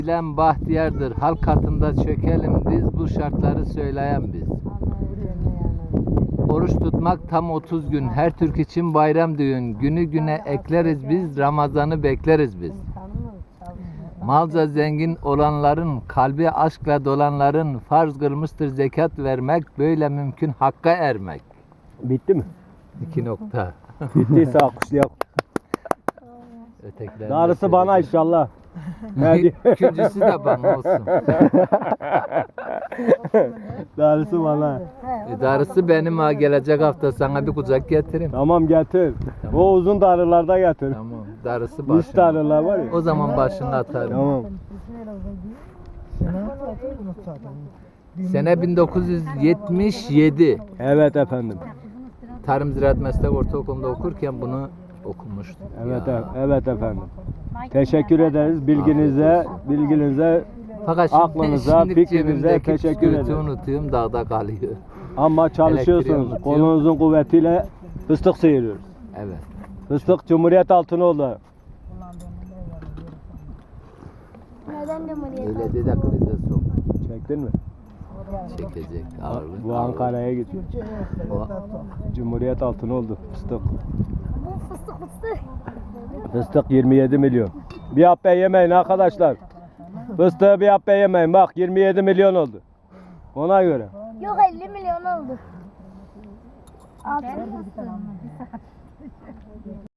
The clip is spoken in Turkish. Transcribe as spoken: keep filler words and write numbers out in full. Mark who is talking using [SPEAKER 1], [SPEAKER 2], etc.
[SPEAKER 1] Bilen bahtiyardır, halk katında çökelim biz, bu şartları söyleyen biz. Oruç tutmak tam otuz gün, her Türk için bayram düğün. Günü güne ekleriz biz, Ramazan'ı bekleriz biz. Malca zengin olanların, kalbi aşkla dolanların, farz kılmıştır zekat vermek, böyle mümkün hakka ermek.
[SPEAKER 2] Bitti mi?
[SPEAKER 1] İki nokta.
[SPEAKER 2] Bittiyse alkışlayalım.
[SPEAKER 1] Ötekiler
[SPEAKER 2] Darısı bana inşallah. Hadi.
[SPEAKER 1] İkincisi de bana olsun.
[SPEAKER 2] Darısı bana.
[SPEAKER 1] E, darısı benim ha, gelecek hafta sana bir kucak getireyim.
[SPEAKER 2] Tamam getir. O uzun darılarda getir.
[SPEAKER 1] Tamam. Darısı
[SPEAKER 2] Üç
[SPEAKER 1] başına.
[SPEAKER 2] darılar var ya.
[SPEAKER 1] O zaman başını atarım.
[SPEAKER 2] Tamam.
[SPEAKER 1] Sene bin dokuz yüz yetmiş yedi.
[SPEAKER 2] Evet efendim.
[SPEAKER 1] Tarım Ziraat Meslek Ortaokulu'nda okurken bunu okumuştum.
[SPEAKER 2] Evet
[SPEAKER 1] Ya.
[SPEAKER 2] e- evet efendim. Teşekkür ederiz bilginize, bilginize.
[SPEAKER 1] Fakat şimdi,
[SPEAKER 2] aklınıza,
[SPEAKER 1] şimdi
[SPEAKER 2] fikrinize
[SPEAKER 1] cebimdeki
[SPEAKER 2] teşekkür
[SPEAKER 1] bisküviti
[SPEAKER 2] ederim.
[SPEAKER 1] unutuyorum, dağda kalıyor.
[SPEAKER 2] Ama
[SPEAKER 1] Elektriği
[SPEAKER 2] çalışıyorsunuz.
[SPEAKER 1] unutuyor.
[SPEAKER 2] Kolunuzun kuvvetiyle fıstık sıyırıyoruz.
[SPEAKER 1] Evet.
[SPEAKER 2] Fıstık Cumhuriyet Altınoğlu.
[SPEAKER 3] Neden Cumhuriyet?
[SPEAKER 1] Öyle de de krize sok.
[SPEAKER 2] Çektin mi?
[SPEAKER 1] Çekecek ağırlık.
[SPEAKER 2] Bu Ankara'ya gidiyor.
[SPEAKER 1] O,
[SPEAKER 2] Cumhuriyet Altınoğlu fıstık.
[SPEAKER 3] Bu fıstık fıstık.
[SPEAKER 2] Fıstık yirmi yedi milyon. Bir hapbe yemeyin arkadaşlar. Fıstığı bir hapbe yemeyin. Bak yirmi yedi milyon oldu. Ona göre.
[SPEAKER 3] Yok elli milyon oldu. Altın fıstığı.